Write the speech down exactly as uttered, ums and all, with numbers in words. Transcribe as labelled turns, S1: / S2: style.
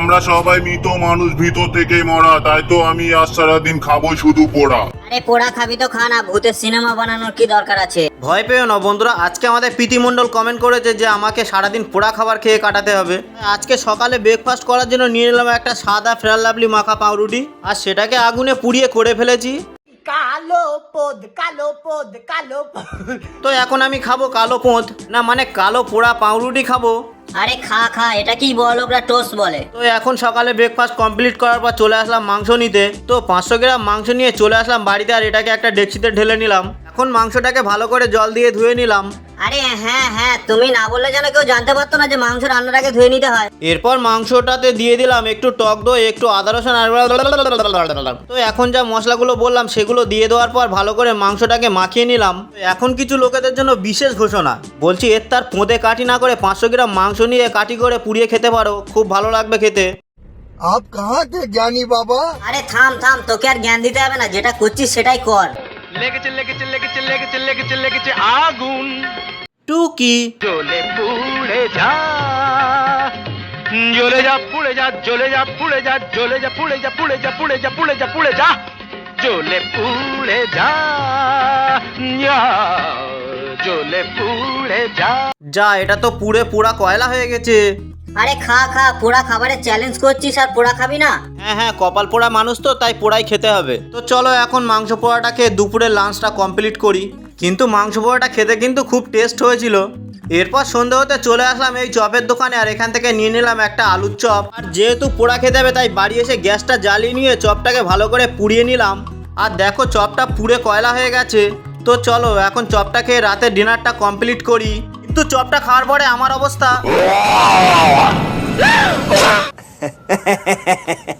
S1: আমরা সবাই মৃত মানুষ, ভিতর থেকে মরা, তাই তো আমি আজ সারাদিন খাবো শুধু পোড়া।
S2: আরে পোড়া খাবি তো খা না, ভূতের সিনেমা বানানোর কি দরকার আছে?
S3: ভয় পেও না বন্ধুরা, আজকে আমাদের প্রীতি মণ্ডল কমেন্ট করেছে যে আমাকে সারাদিন পোড়া খাবার খেয়ে কাটাতে হবে। আজকে সকালে ব্রেকফাস্ট করার জন্য নিয়ে নিলাম একটা সাদা ফেয়ার লাভলি মাখা পাউরুটি, আর সেটাকে আগুনে পুড়িয়ে করে ফেলেছি।
S4: কালো পদ কালো পদ কালো পদ।
S3: তো এখন আমি খাবো কালো পোঁত, না মানে কালো পোড়া পাউরুটি খাবো।
S2: আরে খা খা, এটা কি বল, ওরা টোস্ট বলে।
S3: তো এখন সকালে ব্রেকফাস্ট কমপ্লিট করার পর চলে আসলাম মাংস নিতে। তো পাঁচশো গ্রাম মাংস নিয়ে চলে আসলাম বাড়িতে, আর এটাকে একটা ডেকচিতে ঢেলে নিলাম। এখন মাংসটাকে ভালো করে জল দিয়ে ধুয়ে নিলাম।
S2: আরে হ্যাঁ হ্যাঁ, তুমি না বললে যেন কেউ জানতে পারতো না যে মাংস রান্নার আগে ধুয়ে নিতে হয়।
S3: এরপর মাংসটাতে দিয়ে দিলাম একটু টক দই, একটু আদা রসুন আর তো এখন যা মশলাগুলো বললাম সেগুলো দিয়ে দেওয়ার পর ভালো করে মাংসটাকে মাখিয়ে নিলাম। এখন কিছু লোকেদের জন্য বিশেষ ঘোষণা, বলছি এর তার পোঁদে কাটি না করে পাঁচশো গ্রাম মাংস নিয়ে কাটি করে পুড়িয়ে খেতে পারো, খুব ভালো লাগবে খেতে।
S5: आप कहाँ थे ज्ञानी बाबा?
S2: আরে থাম থাম, তোকে আর জ্ঞান দিতে হবে না, যেটা করছিস সেটাই কর।
S6: লেগেছে লেগেছে লেগেছে লেগেছে লেগেছে লেগেছে আগুন,
S3: টুকি
S6: জ্বলে পুড়ে যা, জ্বলে যা পুড়ে যা, জ্বলে যা পুড়ে যা, জ্বলে যা পুড়ে যা, পুড়ে যা পুড়ে যা, পুড়ে যা পুড়ে যা, জ্বলে পুড়ে যা, যা, জ্বলে পুড়ে যা।
S3: যা, এটা তো পুড়ে পোড়া কয়লা হয়ে গেছে।
S2: আরে খা খা, পোড়া খাবারের চ্যালেঞ্জ করছিস আর পোড়া খাবি না?
S3: হ্যাঁ হ্যাঁ, কপাল পোড়া মানুষ তো, তাই পোড়াই খেতে হবে। তো চলো এখন মাংস পোড়াটাকে দুপুরের লাঞ্চটা কমপ্লিট করি। কিন্তু মাংস পোড়াটা খেতে কিন্তু খুব টেস্ট হয়েছিল। এরপর সন্ধে হতে চলে আসলাম এই চপের দোকানে, আর এখান থেকে নিয়ে নিলাম একটা আলুর চপ। আর যেহেতু পোড়া খেতে হবে তাই বাড়ি এসে গ্যাসটা জ্বালিয়ে নিয়ে চপটাকে ভালো করে পুড়িয়ে নিলাম। আর দেখো চপটা পুড়ে কয়লা হয়ে গেছে। তো চলো এখন চপটা খেয়ে রাতের ডিনারটা কমপ্লিট করি। কিন্তু চপটা খাওয়ার পরে আমার অবস্থা